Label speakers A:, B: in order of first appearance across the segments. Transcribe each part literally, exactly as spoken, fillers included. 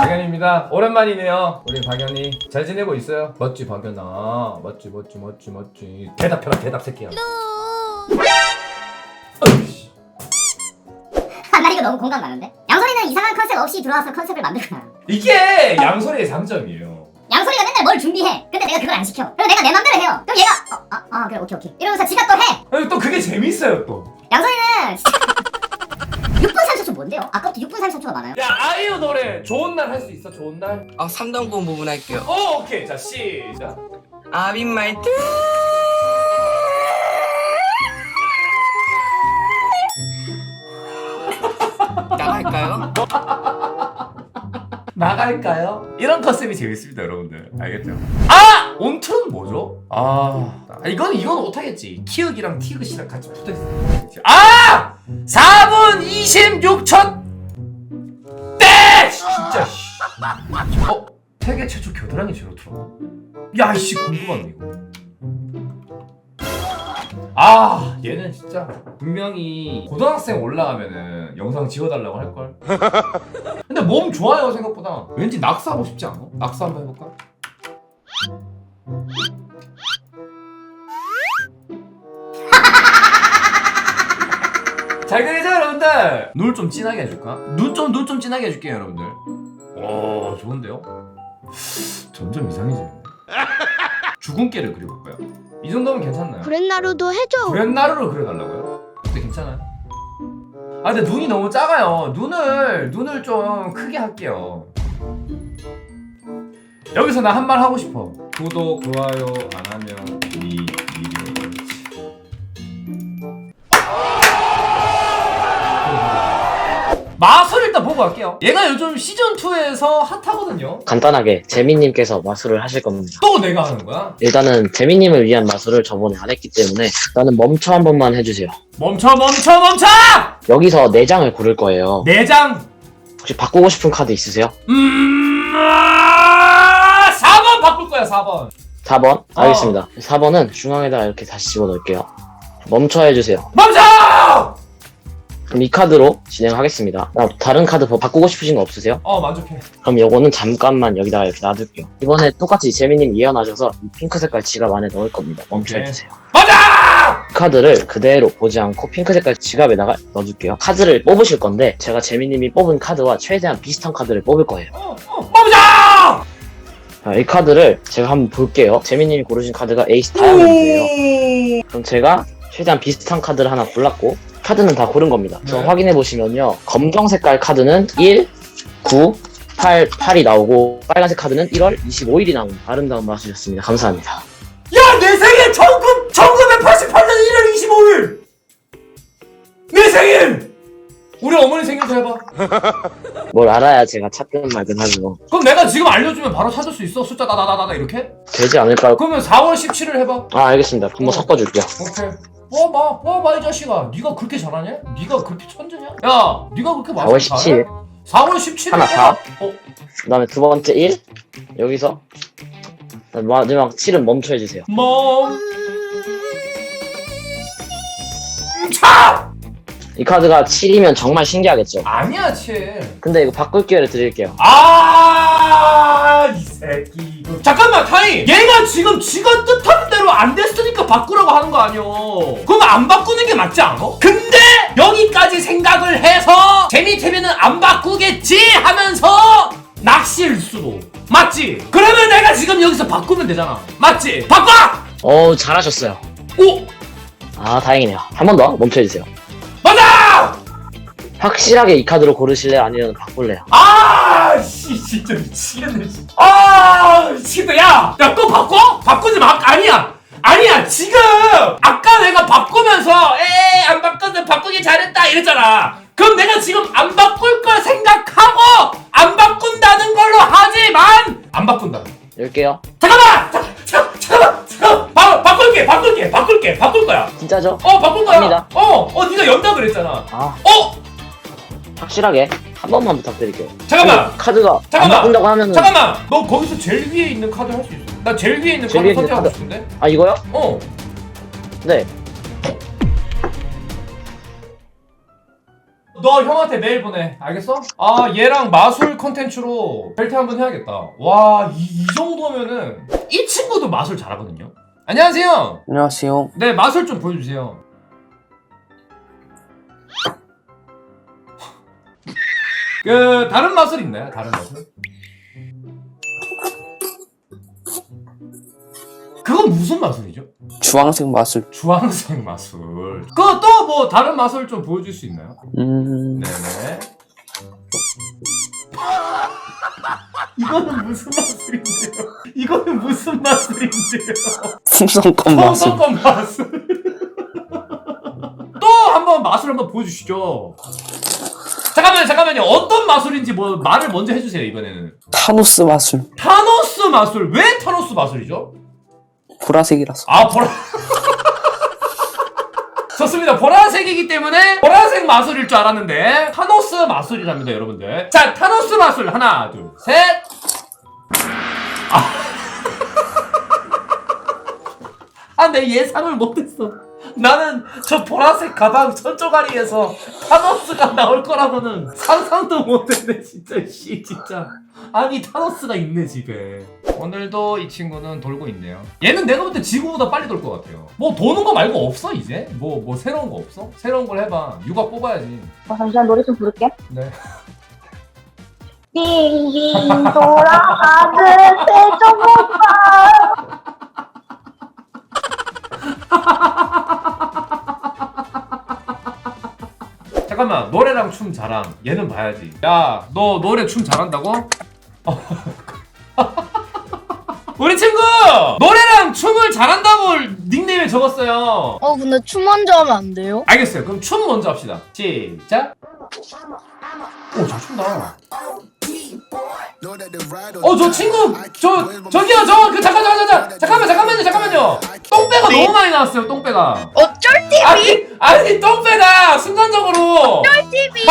A: 박연입니다. 오랜만이네요. 우리 박연이 잘 지내고 있어요? 멋지 박연아. 멋지 멋지 멋지 멋지. 대답해봐 대답 새끼야. 어이씨.
B: 아, 나 이거 너무 공감 가는데? 양소리는 이상한 컨셉 없이 들어와서 컨셉을 만들구나.
A: 이게 양소리의 장점이에요.
B: 양소리가 맨날 뭘 준비해. 근데 내가 그걸 안 시켜. 그리고 내가 내 맘대로 해요. 그럼 얘가 어, 아, 아 그래 오케이 오케이 이러면서 지가 또 해.
A: 아니, 또 그게 재밌어요 또.
B: 양소리는 진짜 육 분 삼십 초 뭔데요? 아까부터 육 분 삼십 초가 많아요.
A: 야 아이유 노래 좋은 날 할 수 있어? 좋은 날?
C: 아 삼 단권 부분 할게요.
A: 어 오케이 자 시작.
C: I've been my 나갈까요?
A: 나갈까요? 이런 컨셉이 재밌습니다 여러분들 알겠죠? 아! 온트는 뭐죠? 아 이건 이건 못하겠지. 키읔이랑 티귿이랑 같이 붙어있어. 아! 사 분 이십육 초 땡! 진짜 씨. 어? 세계 최초 겨드랑이 제로트로. 야 이씨 궁금하네 이거. 아 얘는 진짜 분명히 고등학생 올라가면은 영상 지워달라고 할걸. 근데 몸 좋아요 생각보다. 왠지 낙서하고 싶지 않아? 낙서 한번 해볼까? 잘 그리죠 여러분들? 눈 좀 진하게 해줄까? 눈 좀 눈 좀 진하게 해줄게요 여러분들. 오 좋은데요? 점점 이상해지는데. 주근깨를 그려볼까요? 이 정도면 괜찮나요?
D: 브렛나루도 해줘.
A: 브렛나루를 그려달라고요? 근데 괜찮아요? 아 근데 눈이 너무 작아요. 눈을 눈을 좀 크게 할게요. 여기서 나 한 말 하고 싶어. 구독 좋아요 안 하면 니 미디어 걸리지. 마술 일단 보고 갈게요. 얘가 요즘 시즌이에서 핫하거든요.
E: 간단하게 재민님께서 마술을 하실 겁니다.
A: 또 내가 하는 거야?
E: 일단은 재민님을 위한 마술을 저번에 안 했기 때문에 일단은 멈춰 한 번만 해주세요.
A: 멈춰 멈춰 멈춰!
E: 여기서 네 장을 고를 거예요.
A: 내장!
E: 혹시 바꾸고 싶은 카드 있으세요?
A: 음... 아... 사 번 바꿀 거야 사 번.
E: 사 번? 알겠습니다. 사 번은 중앙에다가 이렇게 다시 집어넣을게요. 멈춰 해주세요.
A: 멈춰!
E: 그럼 이 카드로 진행하겠습니다. 그럼 다른 카드 뭐 바꾸고 싶으신 거 없으세요?
A: 어 만족해.
E: 그럼 요거는 잠깐만 여기다가 이렇게 놔둘게요. 이번에 똑같이 재민님 예언하셔서 이 핑크 색깔 지갑 안에 넣을 겁니다. 멈춰
A: 네.
E: 해주세요.
A: 맞아!
E: 카드를 그대로 보지 않고 핑크 색깔 지갑에다가 넣어줄게요. 카드를 뽑으실 건데 제가 재민님이 뽑은 카드와 최대한 비슷한 카드를 뽑을 거예요.
A: 어, 어, 멈춰!
E: 자, 이 카드를 제가 한번 볼게요. 재민님이 고르신 카드가 에이스 다이아몬드예요. 그럼 제가 최대한 비슷한 카드를 하나 골랐고 카드는 다 고른 겁니다. 그래서
A: 네.
E: 확인해 보시면요. 검정 색깔 카드는 일, 구, 팔, 팔이 나오고 빨간색 카드는 일월 이십오일이 나온 아름다운 마술이었습니다. 감사합니다.
A: 야, 내 생일 천구백팔십팔 년 일월 이십오일! 내 생일! 우리 어머니 생일도 해봐.
E: 뭘 알아야 제가 찾든 말든 하죠.
A: 그럼 내가 지금 알려주면 바로 찾을 수 있어? 숫자 다다다다다 이렇게?
E: 되지 않을까요?
A: 그러면 사월 십칠일 해봐.
E: 아 알겠습니다. 한번
A: 어.
E: 섞어줄게요.
A: 오케이. 뽑아봐, 뽑아봐 이 자식아. 네가 그렇게 잘하냐? 네가 그렇게 천재냐? 야, 네가 그렇게
E: 사월
A: 마술
E: 십칠일.
A: 잘해? 사월 십칠일
E: 하나 사.
A: 어?
E: 그 다음에 두 번째 일. 여기서 마지막 칠은 멈춰 해주세요.
A: 멈...
E: 이 카드가 칠이면 정말 신기하겠죠?
A: 아니야, 칠.
E: 근데 이거 바꿀 기회를 드릴게요.
A: 아, 이 새끼 이거. 잠깐만, 타이. 얘가 지금 지가 뜻하는 대로 안 됐으니까 바꾸라고 하는 거 아니오. 그럼 안 바꾸는 게 맞지 않아? 근데 여기까지 생각을 해서 재미태미는 안 바꾸겠지 하면서 낚시일 수도. 맞지? 그러면 내가 지금 여기서 바꾸면 되잖아. 맞지? 바꿔!
E: 어우 잘하셨어요.
A: 오!
E: 아 다행이네요. 한 번 더 멈춰 해주세요.
A: 맞아!
E: 확실하게 이 카드로 고르실래요? 아니면 바꿀래요?
A: 아, 씨, 진짜 미치겠네. 씨. 아, 미치겠다. 야, 야, 또 바꿔? 바꾸지 마. 아니야. 아니야. 지금 아까 내가 바꾸면서 에이, 안 바꿔서 바꾸기 잘했다 이랬잖아. 그럼 내가 지금 안 바꿀 걸 생각하고 안 바꾼다는 걸로 하지만 안 바꾼다.
E: 열게요.
A: 잠깐만! 자, 자, 잠깐만! 잠깐만! 바, 바꿀게! 바꿀게! 바꿀게! 바꿀 거야!
E: 진짜죠?
A: 어, 바꿀 거야!
E: 갑니다.
A: 어! 어, 네가 연다 그랬잖아.
E: 아
A: 어!
E: 확실하게 한 번만 부탁드릴게요.
A: 잠깐만!
E: 그 카드가
A: 잠깐만!
E: 안 바꾼다고 하면은
A: 잠깐만! 너 거기서 제일 위에 있는 카드 할 수 있어. 나 제일 위에 있는
E: 제일
A: 카드
E: 위에 있는
A: 선택하고
E: 카드.
A: 싶은데?
E: 아 이거요?
A: 어.
E: 네.
A: 너 형한테 메일 보내. 알겠어? 아 얘랑 마술 컨텐츠로 벨트 한번 해야겠다. 와 이 이 정도면은 이 친구도 마술 잘하거든요. 안녕하세요.
C: 안녕하세요.
A: 네 마술 좀 보여주세요. 그 다른 마술 있나요? 다른 마술? 그건 무슨 마술이죠?
C: 주황색 마술.
A: 주황색 마술. 그 또 뭐 다른 마술 좀 보여줄 수 있나요?
C: 음.
A: 네네. 이거는 무슨 마술인데요? 이거는 무슨 마술인데요?
C: 풍선껌 마술.
A: 성성권 마술. 또 한번 마술 한번 보여주시죠. 잠깐만요, 잠깐만요. 어떤 마술인지 뭐 말을 먼저 해주세요 이번에는.
C: 타노스 마술.
A: 타노스 마술. 왜 타노스 마술이죠?
C: 보라색이라서.
A: 아 보라. 좋습니다. 보라색이기 때문에 보라색 마술일 줄 알았는데 타노스 마술이랍니다, 여러분들. 자, 타노스 마술 하나, 둘, 셋. 아, 아, 내 예상을 못했어. 나는 저 보라색 가방 천조가리에서 타노스가 나올 거라고는 상상도 못했네, 진짜. 씨, 진짜. 아니 타노스가 있네 집에. 오늘도 이 친구는 돌고 있네요. 얘는 내가 볼 때 지구보다 빨리 돌 것 같아요. 뭐 도는 거 말고 없어 이제? 뭐 뭐 새로운 거 없어? 새로운 걸 해봐. 육아 뽑아야지.
B: 어, 잠시만 노래 좀 부를게.
A: 네.
B: 빙빙 돌아가는 세종오빠.
A: 잠깐만, 노래랑 춤 잘함. 얘는 봐야지. 야, 너 노래 춤 잘한다고? 우리 친구! 노래랑 춤을 잘한다고 닉네임에 적었어요.
D: 어 근데 춤 먼저 하면 안 돼요?
A: 알겠어요. 그럼 춤 먼저 합시다. 시작. 오, 잘 춘다. 어, 저 친구, 저, 저기요, 저, 그, 잠깐, 잠깐, 잠깐, 잠깐만, 잠깐만요, 잠깐만요. 똥배가
D: 네?
A: 너무 많이 나왔어요, 똥배가.
D: 어쩔 티비?
A: 아니, 아니, 똥배가 순간적으로.
D: 티비?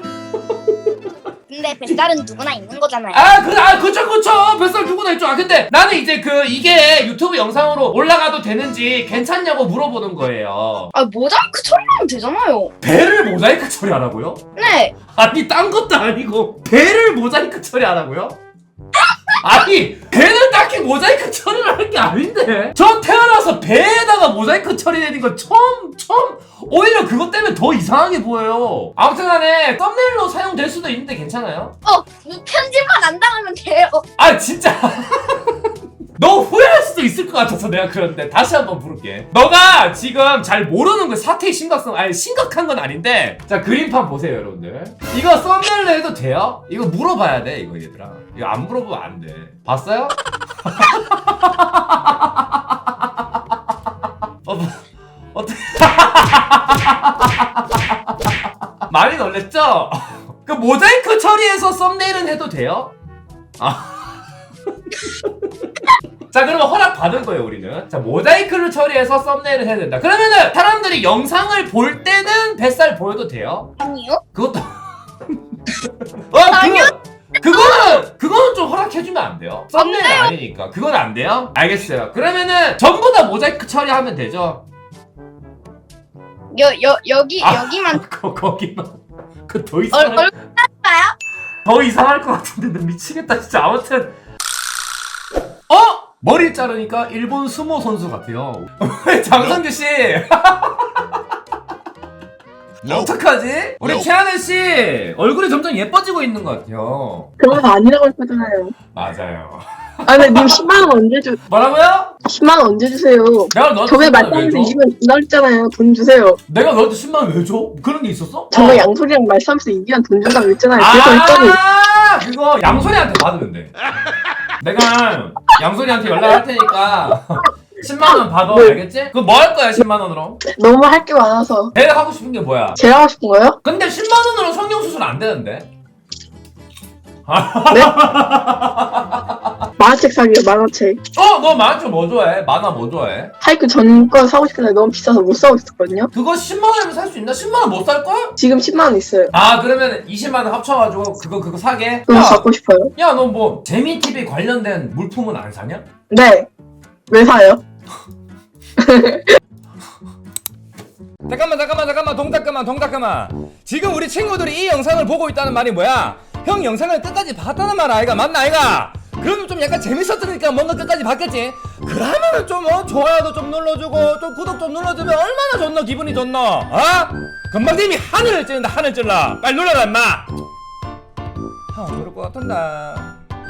D: 근데 뱃살은 누구나 있는 거잖아요.
A: 아, 그, 아, 그쵸, 그쵸. 뱃살 누구나 있죠. 아, 근데 나는 이제 그, 이게 유튜브 영상으로 올라가도 되는지 괜찮냐고 물어보는 거예요.
D: 아 모자이크 처리하면 되잖아요.
A: 배를 모자이크 처리하라고요?
D: 네.
A: 아니, 딴 것도 아니고, 배를 모자이크 처리하라고요? 아니, 배는 딱히 모자이크 처리를 할 게 아닌데. 저 태어나서 배에다가 모자이크 처리되는 건 처음, 처음, 오히려 그것 때문에 더 이상하게 보여요. 아무튼 간에 썸네일로 사용될 수도 있는데 괜찮아요?
D: 어 편집만 안 당하면 돼요.
A: 아, 진짜. 너 후회할 수도 있을 것 같아서 내가 그런데 다시 한번 부를게. 너가 지금 잘 모르는 거 사태의 심각성, 아니 심각한 건 아닌데. 자, 그림판 보세요 여러분들. 이거 썸네일로 해도 돼요? 이거 물어봐야 돼 이거 얘들아. 이거 안 물어보면 안 돼. 봤어요? 어, 뭐, 어떻게 많이 놀랬죠? 그 모자이크 처리해서 썸네일은 해도 돼요? 아. 자, 그러면 허락 받은 거예요 우리는. 자, 모자이크를 처리해서 썸네일을 해야 된다. 그러면은 사람들이 영상을 볼 때는 뱃살 보여도 돼요?
D: 아니요.
A: 그것도 어,
D: 아니요.
A: 그거, 그거는 그거는 좀 허락해주면 안 돼요? 썸네일 아니니까 그건 안 돼요? 알겠어요. 그러면은 전부 다 모자이크 처리하면 되죠?
D: 여 여 여기
A: 아,
D: 여기만
A: 거, 거기만 그 더
D: 얼
A: 이상할
D: 얼굴 할까요?
A: 더 이상할 것 같은데 나 미치겠다 진짜. 아무튼 어? 머리 자르니까 일본 스모 선수 같아요. 장성규 씨. 어떡하지? 우리 최하늘 씨 얼굴이 점점 예뻐지고 있는 것 같아요.
F: 그런 거 아니라고 할 거잖아요.
A: 맞아요.
F: 아, 근데 님 십만 원 언제 주,
A: 뭐라고요?
F: 십만 원 언제 주세요?
A: 내가 너한테
F: 저번에
A: 십만 원 왜
F: 말싸움에서
A: 줘?
F: 이기면 준다 그랬잖아요. 돈 주세요.
A: 내가 너한테 십만 원 왜 줘? 그런 게 있었어?
F: 저번
A: 어.
F: 양소리랑 말싸움에서 이기면 돈 준다고 그랬잖아요. 그래서 했더니
A: 아, 그거 양소리한테 받으면 돼. 내가 양소리한테 연락할 테니까 십만 원 받아.
F: 네.
A: 알겠지? 그럼 뭐 할 거야 십만 원으로?
F: 너무 할 게 많아서.
A: 내가 하고 싶은 게 뭐야?
F: 제가 하고 싶은 거요?
A: 근데 십만 원으로 성형수술 안 되는데?
F: 만화책 사기요, 만화책.
A: 어? 너 만화책 뭐 좋아해? 만화 뭐 좋아해?
F: 하이큐 전권 사고 싶은데 너무 비싸서 못 사고 있었거든요.
A: 그거 십만 원이면 살 수 있나? 십만 원 못 살걸?
F: 지금 십만 원 있어요.
A: 아, 그러면 이십만 원 합쳐가지고 그거 그거 사게?
F: 그거
A: 야,
F: 갖고 싶어요.
A: 야, 너 뭐 재미티비 관련된 물품은 안 사냐?
F: 네. 왜 사요?
G: 잠깐만 잠깐만 잠깐만 동작 그만 동작 그만. 지금 우리 친구들이 이 영상을 보고 있다는 말이 뭐야? 형 영상을 끝까지 봤다는 말 아이가? 맞나 아이가? 그러면 좀 약간 재밌었으니까 뭔가 끝까지 봤겠지? 그러면은 좀 어, 좋아요도 좀 눌러주고 좀 구독 좀 눌러주면 얼마나 좋노 기분이 좋노? 어? 금방님이 하늘을 찌른다 하늘 찔러 빨리 눌러라 임마. 형 그럴 것 같은데